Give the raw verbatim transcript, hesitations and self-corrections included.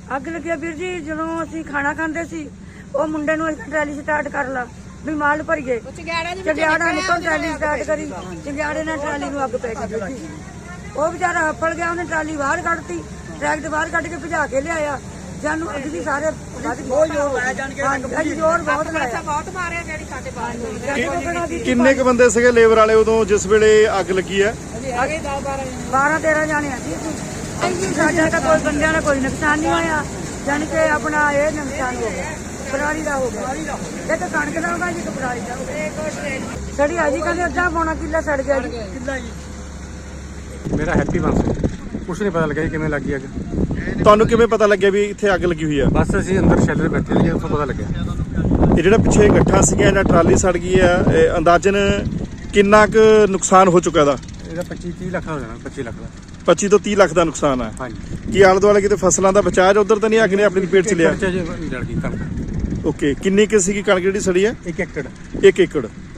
ਅੱਗ ਲੱਗਿਆ ਵੀਰ ਜੀ ਜਦੋਂ ਅਸੀਂ ਖਾਣਾ ਖਾਂਦੇ ਸੀ ਉਹ ਮੁੰਡੇ ਨੂੰ ਅਸੀਂ ਟਰਾਲੀ ਸਟਾਰਟ ਕਰ ਲਾ ਵੀ ਮਾਲ ਭਰੀਏ ਚੰਗਿਆੜਾ ਨਿਕਲ ਟਰਾਲੀ ਸਟਾਰਟ ਕਰੀ ਚੰਗਿਆੜੇ ਨਾਲ ਟਰਾਲੀ ਨੂੰ ਅੱਗ ਪੈ ਗਈ ਜੀ। ਉਹ ਵਿਚਾਰਾ ਹੱਫੜ ਗਿਆ ਉਹਨੇ ਟਰਾਲੀ ਬਾਹਰ ਕੱਢਤੀ ਟਰੈਕ ਬਾਹਰ ਕੱਢ ਕੇ ਭਜਾ ਕੇ ਲਿਆਇਆ ਜਾਨੂੰ ਅੱਗ ਦੀ ਸਾਰੇ ਬਹੁਤ ਜ਼ੋਰ ਲਾਇਆ ਜਾਣ ਕੇ ਜ਼ੋਰ ਬਹੁਤ ਲਾਇਆ ਬਹੁਤ ਮਾਰਿਆ ਜਿਹੜੀ ਸਾਡੇ ਬਾਹਰ ਕਿੰਨੇ ਕ ਬੰਦੇ ਸੀਗੇ ਲੇਬਰ ਵਾਲੇ ਉਦੋਂ ਜਿਸ ਵੇਲੇ ਅੱਗ ਲੱਗੀ ਹੈ? ਬਾਰਾਂ ਤੇਰਾਂ ਜਾਣੇ ਆ ਜੀ। ਸਾਡਾ ਤਾਂ ਕੋਈ ਬੰਦਿਆਂ ਦਾ ਕੋਈ ਨੁਕਸਾਨ ਨਹੀਂ ਹੋਇਆ ਜਾਣੀ ਕਿ ਆਪਣਾ ਇਹ ਨੁਕਸਾਨ ਹੋ ਗਿਆ ਪਰਾਲੀ ਦਾ ਹੋ ਗਿਆ ਇਹ ਤਾਂ ਕਣਕ ਦਾ ਹੋਗਾ ਜੀ ਪਰਾਲੀ ਦਾ ਹੋ ਗਿਆ ਸੜੀ ਆ ਜੀ ਕਹਿੰਦੇ ਅੱਧਾ ਪੌਣਾ ਕਿੱਲਾ ਸੜ ਗਿਆ ਜੀ ਕਿੱਲਾ ਜੀ। ਮੇਰਾ ਹੈਪੀ ਬੰਸ ਕੁਛ ਨਹੀਂ ਪਤਾ ਲੱਗਿਆ ਕਿਵੇਂ ਲੱਗੀ ਅੱਗ। ਤੁਹਾਨੂੰ ਕਿਵੇਂ ਪਤਾ ਲੱਗਿਆ ਵੀ ਇੱਥੇ ਅੱਗ ਲੱਗੀ ਹੋਈ ਹੈ? ਬਸ ਅਸੀਂ ਅੰਦਰ ਸ਼ੈਲਰ ਬੈਠੇ ਸੀ ਉੱਥੋਂ ਪਤਾ ਲੱਗਿਆ। ਇਹ ਜਿਹੜਾ ਪਿੱਛੇ ਗੱਠਾਂ ਸੀਗੀਆਂ ਜਾਂ ਟਰਾਲੀ ਸੜ ਗਈ ਹੈ ਇਹ ਅੰਦਾਜ਼ਨ ਕਿੰਨਾ ਕੁ ਨੁਕਸਾਨ ਹੋ ਚੁੱਕਾ ਦਾ? ਇਹਦਾ ਪੱਚੀ ਤੀਹ ਲੱਖ ਦਾ ਹੋ ਜਾਣਾ ਪੱਚੀ ਲੱਖ ਦਾ ਪੱਚੀ ਤੋਂ ਤੀਹ ਲੱਖ ਦਾ ਨੁਕਸਾਨ ਹੈ। ਹਾਂਜੀ। ਕੀ ਆਲੇ ਦੁਆਲੇ ਕਿਤੇ ਫਸਲਾਂ ਦਾ ਬਚਾਅ ਉਧਰ ਤਾਂ ਨਹੀਂ ਅੱਗ ਨੇ ਆਪਣੀ ਪੇਟ ਚ ਲਿਆ? ਜਲ ਗਈ ਕਣਕ। ਓਕੇ ਕਿੰਨੀ ਕੁ ਸੀਗੀ ਕਣਕ ਜਿਹੜੀ ਸੜੀ ਹੈ? ਇੱਕ ਏਕੜ। ਇੱਕ ਏਕੜ।